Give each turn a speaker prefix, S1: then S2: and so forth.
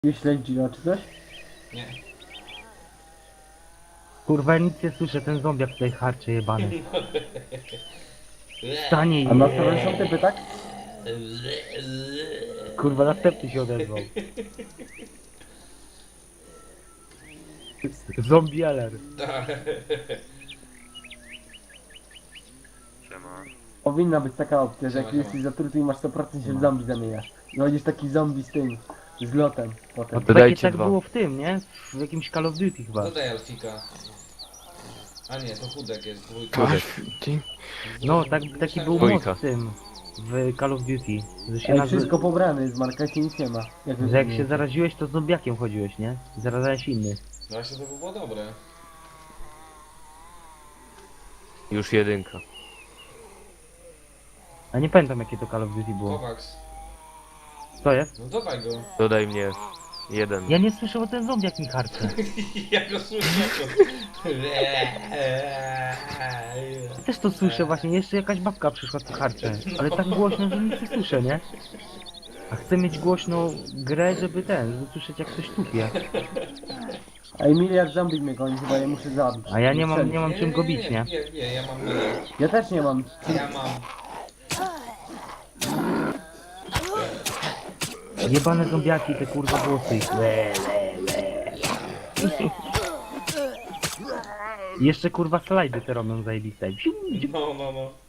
S1: Nie śledzi czy coś?
S2: Nie.
S3: Kurwa, nic nie słyszę, ten zombiak tutaj harczy jebany. Stanie
S1: A na
S3: je.
S1: stronę są typy, tak?
S3: Kurwa, następny się odezwał. Zombie alert.
S4: Siema.
S1: Powinna być taka opcja, że jak
S2: Siema,
S1: jesteś zatruty i masz 100% się w zombie zamieniasz. I będziesz taki zombie z tym, z lotem potem.
S3: No to
S4: Dodajcie
S3: takie tak
S4: dwa.
S3: było w tym, nie? W jakimś Call of Duty chyba.
S2: Dodaj Alfika. A nie, to chudek jest, dwójka.
S4: Kurde.
S3: No, taki był
S4: Dwójka.
S3: mod w tym. W Call of Duty. Że się,
S1: Ej, wszystko pobrane jest, w markecie nic nie ma.
S3: że jak się zaraziłeś, to zombiakiem chodziłeś, nie? Zarazałeś innych.
S2: Właśnie to by było dobre.
S4: Już jedynka.
S3: A nie pamiętam jakie to Call of Duty było.
S2: Kovacs.
S3: Co jest?
S2: No dodaj go.
S4: Dodaj mnie. Jeden.
S3: Ja nie słyszę, bo ten zombiak mi harczy.
S2: Ja go słyszę.
S3: Ja też to słyszę właśnie, jeszcze jakaś babka przyszła tu harcze. Ale tak głośno, że nic nie słyszę, nie? A chcę mieć głośną grę, żeby żeby słyszeć jak ktoś tupie.
S1: Ej, miliard zombie mnie goni, chyba je muszę zabić.
S3: A ja nie mam czym go bić, nie?
S2: Nie, ja mam
S1: Ja też nie mam.
S2: Ja mam.
S3: Jebane zombiaki, te kurwa głosy. I jeszcze kurwa slajdy te robią zajebiste.
S2: No.